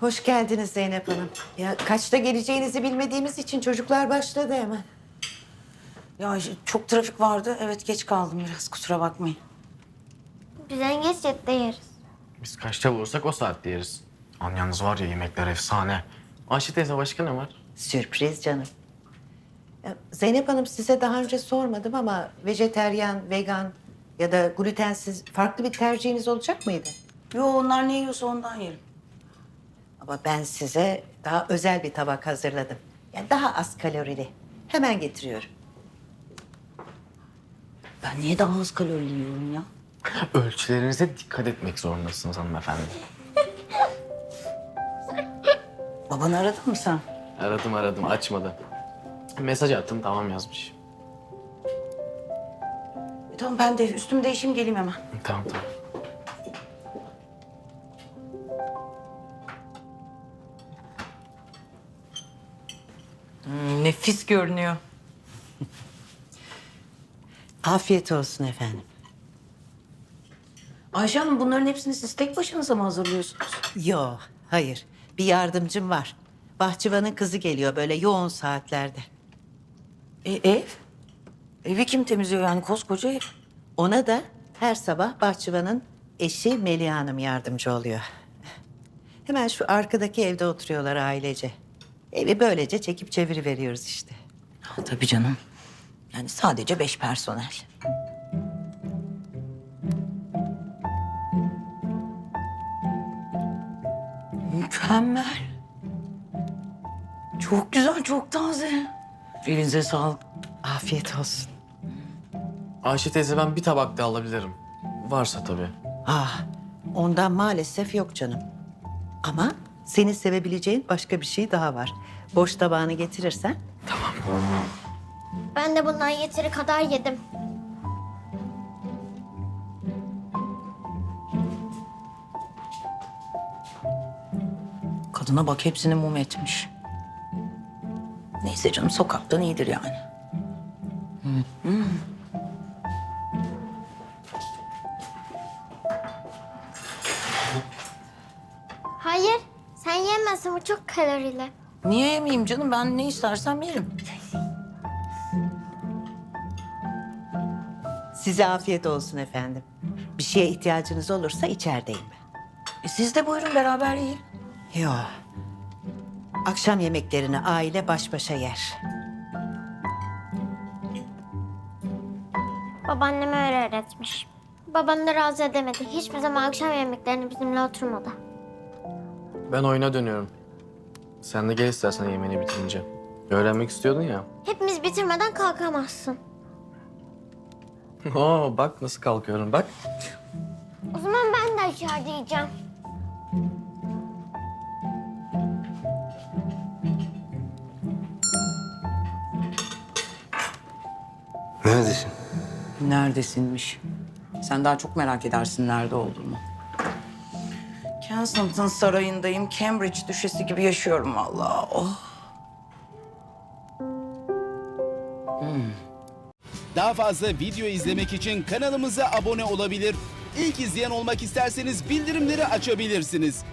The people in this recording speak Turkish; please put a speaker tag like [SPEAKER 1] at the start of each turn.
[SPEAKER 1] Hoş geldiniz Zeynep Hanım. Ya kaçta geleceğinizi bilmediğimiz için çocuklar başladı hemen.
[SPEAKER 2] Ya çok trafik vardı. Evet geç kaldım biraz. Kusura bakmayın.
[SPEAKER 3] Biz en geç 7'de yeriz.
[SPEAKER 4] Biz kaçta bulursak o saatte yeriz. An yalnız var ya yemekler efsane. Ayşe teyze başka ne var?
[SPEAKER 1] Sürpriz canım. Ya, Zeynep Hanım size daha önce sormadım ama vejeteryan, vegan ya da glutensiz farklı bir tercihiniz olacak mıydı?
[SPEAKER 2] Yo onlar ne yiyorsa ondan yerim.
[SPEAKER 1] Ama ben size daha özel bir tabak hazırladım. Yani daha az kalorili. Hemen getiriyorum.
[SPEAKER 2] Ben niye daha az kalorili yiyorum ya?
[SPEAKER 4] Ölçülerinize dikkat etmek zorundasınız hanımefendi.
[SPEAKER 2] Babanı aradın mı sen?
[SPEAKER 4] Aradım açmadı. Mesaj attım tamam yazmış.
[SPEAKER 2] Tamam ben de üstümü değişeyim geleyim hemen.
[SPEAKER 4] Tamam.
[SPEAKER 5] Nefis görünüyor.
[SPEAKER 1] Afiyet olsun efendim.
[SPEAKER 2] Ayşe Hanım bunların hepsini siz tek başınıza mı hazırlıyorsunuz?
[SPEAKER 1] Yok, hayır. Bir yardımcım var. Bahçıvanın kızı geliyor böyle yoğun saatlerde.
[SPEAKER 2] Ev? Evi kim temizliyor yani koskoca ev?
[SPEAKER 1] Ona da her sabah bahçıvanın eşi Melih Hanım yardımcı oluyor. Hemen şu arkadaki evde oturuyorlar ailece. Evi böylece çekip çeviri veriyoruz işte.
[SPEAKER 2] Ha, tabii canım. Yani sadece 5 personel. Mükemmel. Çok güzel, çok taze. Elinize sağlık.
[SPEAKER 1] Afiyet olsun.
[SPEAKER 4] Ayşe teyze ben bir tabak daha alabilirim. Varsa tabii.
[SPEAKER 1] Ondan maalesef yok canım. Ama seni sevebileceğin başka bir şey daha var. Boş tabağını getirirsen.
[SPEAKER 3] Ben de bundan yeteri kadar yedim.
[SPEAKER 2] Kadına bak hepsini mum etmiş. Neyse canım sokaktan iyidir yani.
[SPEAKER 3] Hayır, sen yemezsin, bu çok kalorili.
[SPEAKER 2] Niye yemeyeyim canım? Ben ne istersem yerim.
[SPEAKER 1] Size afiyet olsun efendim. Bir şeye ihtiyacınız olursa içerideyim ben.
[SPEAKER 2] Siz de buyurun beraber yiyin.
[SPEAKER 1] Yok. Akşam yemeklerini aile baş başa yer.
[SPEAKER 3] Babaannem öyle öğretmiş. Babanı da razı edemedi. Hiçbir zaman akşam yemeklerini bizimle oturmadı.
[SPEAKER 4] Ben oyuna dönüyorum. Sen de gel istersen yemeğini bitirince. Öğrenmek istiyordun ya.
[SPEAKER 3] Hepimiz bitirmeden kalkamazsın.
[SPEAKER 4] Oo bak nasıl kalkıyorum bak.
[SPEAKER 3] O zaman ben de içeride yiyeceğim.
[SPEAKER 6] Neredesin?
[SPEAKER 2] Neredesinmiş? Sen daha çok merak edersin nerede olduğumu. Kensington Sarayı'ndayım. Cambridge düşesi gibi yaşıyorum vallahi. Oh.
[SPEAKER 7] Daha fazla video izlemek için kanalımıza abone olabilir. İlk izleyen olmak isterseniz bildirimleri açabilirsiniz.